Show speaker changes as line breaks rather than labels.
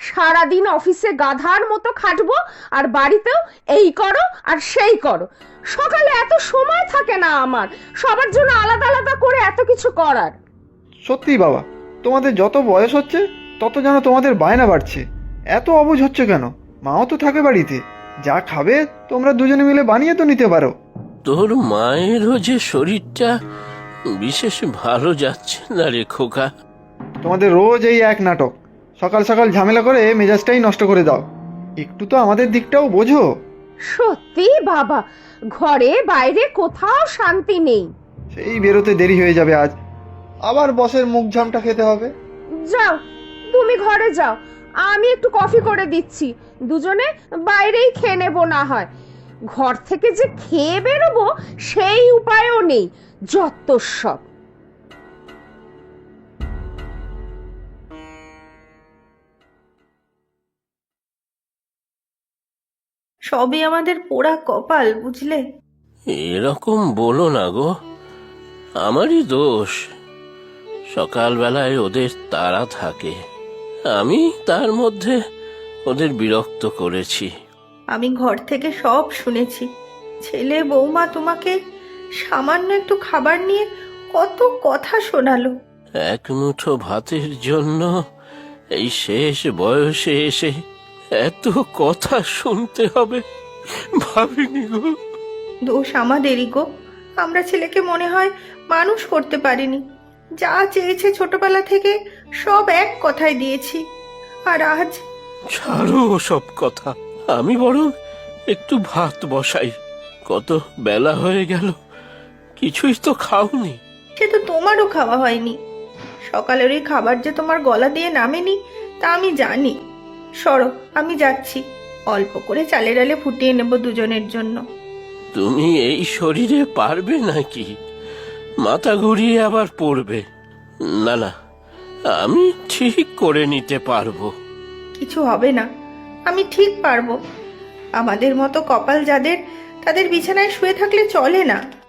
সারাদিন অফিসে গাধার মতো খাটবো, আর বাড়িতেও এই করো আর সেই করো। সকালে এত সময় থাকে না আমার সবার জন্য আলাদা আলাদা করে এত কিছু করার।
সত্যি বাবা, তোমাদের যত বয়স হচ্ছে তত যেন তোমাদের বায়না বাড়ছে। এত অবুঝ হচ্ছে কেন? মাও তো থাকে বাড়িতে, যা খাবে তোমরা দুজনে মিলে বানিয়ে তো নিতে পারো।
তোর মায়েরও যে শরীরটা বিশেষ ভালো যাচ্ছে না রে খোকা।
তোমাদের রোজ এই এক নাটক, সকাল সকাল ঝামেলা করে মেজাজটাই নষ্ট করে দাও। একটু তো আমাদের দিকটাও বোঝো।
সত্যি বাবা, ঘরে বাইরে কোথাও শান্তি নেই।
সেই বেরোতে দেরি হয়ে যাবে আজ, আবার বসের মুখ ঝামটা খেতে হবে।
যাও, তুমি ঘরে যাও, আমি একটু কফি করে দিচ্ছি, দুজনে বাইরেই খেয়ে নেবো না হয়। ঘর থেকে যে খেয়ে বেরোবো সেই উপায়ও নেই, যত সব।
সবই আমাদের পোড়া কপাল, বুঝলে?
এরকম বলো না গো, আমারই দোষ। সকালবেলায় ওদের তাড়া থাকে, আমি তার মধ্যে ওদের বিরক্ত করেছি।
আমি ঘর থেকে সব শুনেছি। ছেলে বৌমা তোমাকে সামান্য একটু খাবার নিয়ে কত কথা শোনালো।
এক মুঠো ভাতের জন্য এই শেষ বয়সে এসে এত কথা শুনতে হবে ভাবিনি গো।
দোষ আমাদেরই গো। আমরা ছেলেকে মনে হয় মানুষ করতে পারিনি। যা চেয়েছে ছোটবেলা থেকে সব এক কথায় দিয়েছি, আর আজ।
ছাড়ো সব কথা, আমি বরং একটু ভাত বসাই। কত বেলা হয়ে গেল, কিছুই তো খাওনি।
সে তো তোমারও খাওয়া হয়নি। সকালের ওই খাবার যে তোমার গলা দিয়ে নামেনি তা আমি জানি। সরো, আমি যাচ্ছি। অল্প করে চালের ডালে ফুটিয়ে নেব দুজনের জন্য।
তুমি এই শরীরে পারবে নাকি? মাথা ঘুরিয়ে আবার পড়বে। না না, আমি ঠিক করে নিতে পারবো।
কিছু হবে না, আমি ঠিক পারবো। আমাদের মতো কপাল যাদের, তাদের বিছানায় শুয়ে থাকলে চলে না।